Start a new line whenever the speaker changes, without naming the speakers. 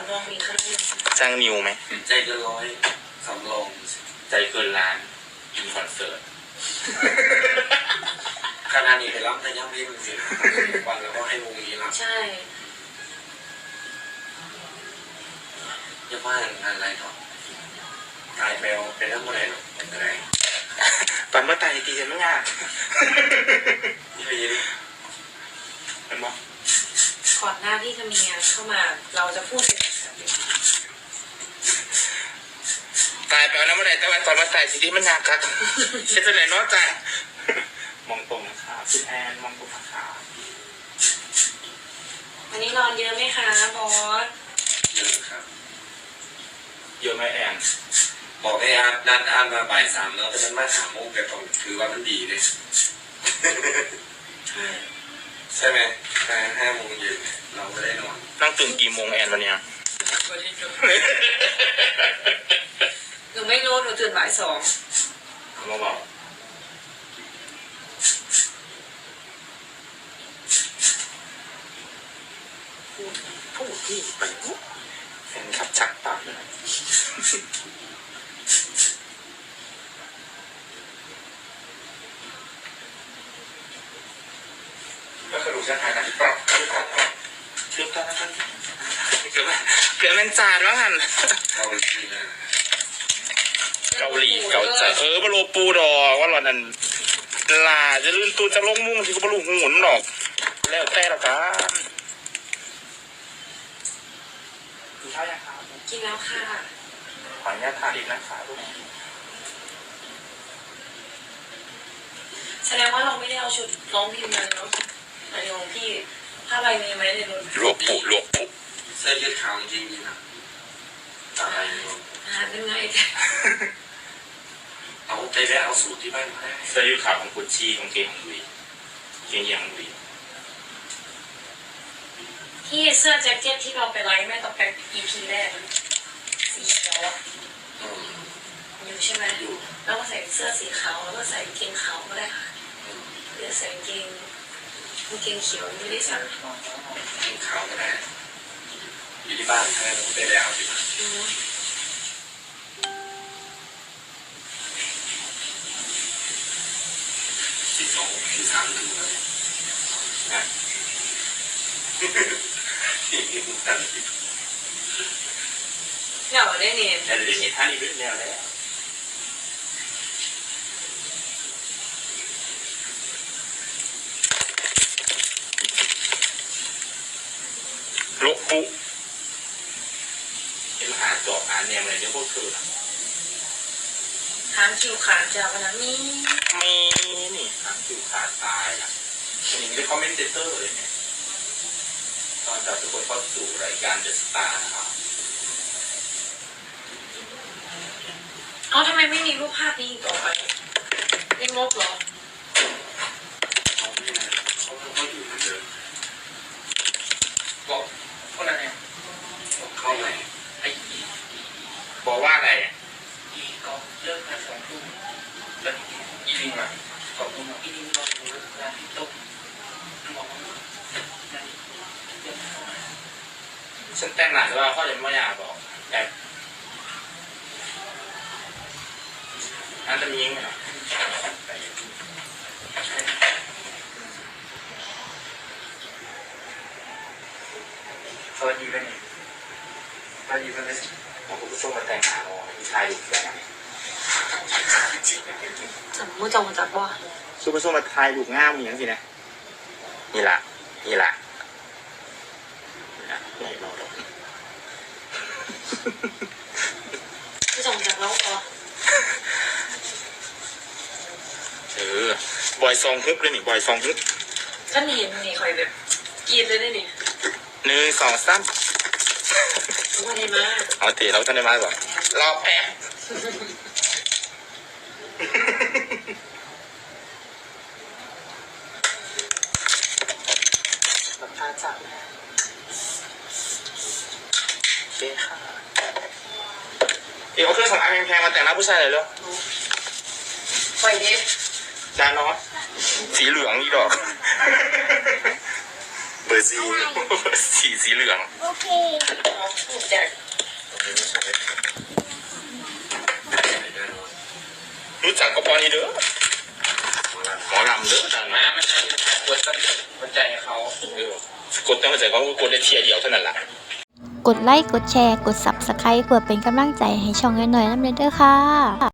ำรองมีเท่าไหร่
จ้างนิวไหม
ใจเกินร้อยสำรอง
ใจเกินล้านอินคอนเสิร์ต
ขนาดนี้ไปรับแต่ยังไม่มึงสิวันแล้วก็ให้วงนี้รับ
ใช่
อย่าว่างานอะไรหรอกตายไปเอาไปทำอะไรหรอกอะไร
ตอนเมื่อตายตีจะไม่ยาก
นี่ไปยิน
เป็นมั้ง
ก่อนหน้าที่จะมีงานเข้ามาเราจะพูดเป็น
ตายไปแล้วเมื่อไหร่แต่ว่าตอนมาตายสิ่งที่มันยากครับเช่นไรเนาะจ้ะมองตรงนะคะคุณแอนมองตรงนะคะ
วันนี้นอนเยอะไหมคะบอส
เยอะครับ
เยอะไหมแอน
บอกให้นัดอ่านมาบ่าย 3แล้วแต่มันมา3 โมงแต่ต้องถือว่ามันดีเลยใช่ไหม5 โมงเย็นเราก็ได้นอน
นั่งตื่นกี่โมงแอนวันนี้
หนูไม่รู้หนูตื่นบ่าย 2
มาบอกพูดที่ไปปุ๊บแฟนขับชักปากเลยก็คือดูเส้นทางการปรับเชื่อมต่อนะครับเกือบมันจานว่างันเกาหลีเกาใจบาโลปูดอว่าหล่อนนั้นลาจะลื่นตูจะลงมุ่งที่ก็บาลูหุ่นหรอกแล้วแต่ละกันกินข้าวยังครับ
กินแล้วค่ะ
ขออนุญาตทานอีกนะคะลูก
แสดงว่าเราไม่ได้เอาชุดร้องพิมพ์มาเนาะอันนี้ของพี่ผ้าใบมีไหมในรถ
ลวกปุ๊
เสื้อยืดขาวจริงๆนะอะไร
เป็นไง
เอาใจแวะเอาสูตรที่บ้านมาให้
เสื้อยืดขาวของกุชชี่ของเกงของลุยเกงยังลุย
ที่เสื้อแจ็คเก็ตที่เราไปไลฟ์แม่ต่อไป EP แรกสีเขียวอยู่ใช่ไหมอยู่แล้วก็ใส่เสื้อสีขาวแล้วก็ใส่เกงขาวก็ได้ค่ะหรือใส่เกงเขียวไม่ได้สั่ง
เกงขาวก็ได้อยู่ที่บ้านให้ไปแล้วสิที่ 3ถึงเลยนะ
เดี๋ยวได้เนี่ย
แต่เดี๋ยวนี้ท่านี้เป็นแนวแล้วโลปุเห็นหาจอบหาแนวอะไรเดี๋ยวพวกเธอ
หางคิวขาดจากวันนั้น
มีนี่หางคิวขาดตายล่ะคนนี้ไม่ได้คอมเมนเตอร์เลยเนี่ยตอนจับทุกคนเข้าสู่รายการ The Star นะครับ
ทำไมไม่มีรูปภาพนี้ต่อไปไม่งบหรอ
เขาอยู่เหมือนเดิมบอกคนอะไรเขาไหนไอ้
บอกว่าอะไร
ก็เลิกงาน2 ทุ่มแล้วอีลิงอ่ะ2 ทุ่มอีลิงก็รู้งานที่ตกบอก
ฉันแต่งหนังแต่ว่าเขาจะไม่อยากบอกแต่อันจะมีไหมล่ะ
สวัสดีกันนี่สวัสดีกันเลย
ผมก็ส่งมาแต่งหาเราผู้ชายอยู่ที่ไหน
มือจงมาจากว่า
ซูเปอร์โซมาทายลูกง่ามอย่างสินะนี่ล่ะนี่รอ
มือจงจากแล้วอ๋
บอยซองฮึบเลยนี่บอยซองฮึบ
ท่านเห็นนี่คอยแบบกินเลยได้นี่
1 2 3
วันนี้มา
เอาตีเราท่านได้มาก่อนรอแป๊บรับทานจับโอเคค่ะเอาเครื่องสำอางแพงๆมาแต่งหน้าผู้ชายเลยเหรอ
ไปดิ
จานน้อยสีเหลืองนี่ดอกเบอร์ซีสีเหลือง
โอเค
จะ
รู้จักก็พอนี่เด้อหมอลำเด้อแต่
มา
นะ
มันจะกดหัวใจเขา
กดตั้งแต่เขากดได้เทียเดียวเท่านั้นแหละ
กดไลค์ กดแชร์ กด Subscribe เพื่อเป็นกำลังใจให้ช่องน้อยๆน้ำเด้อค่ะ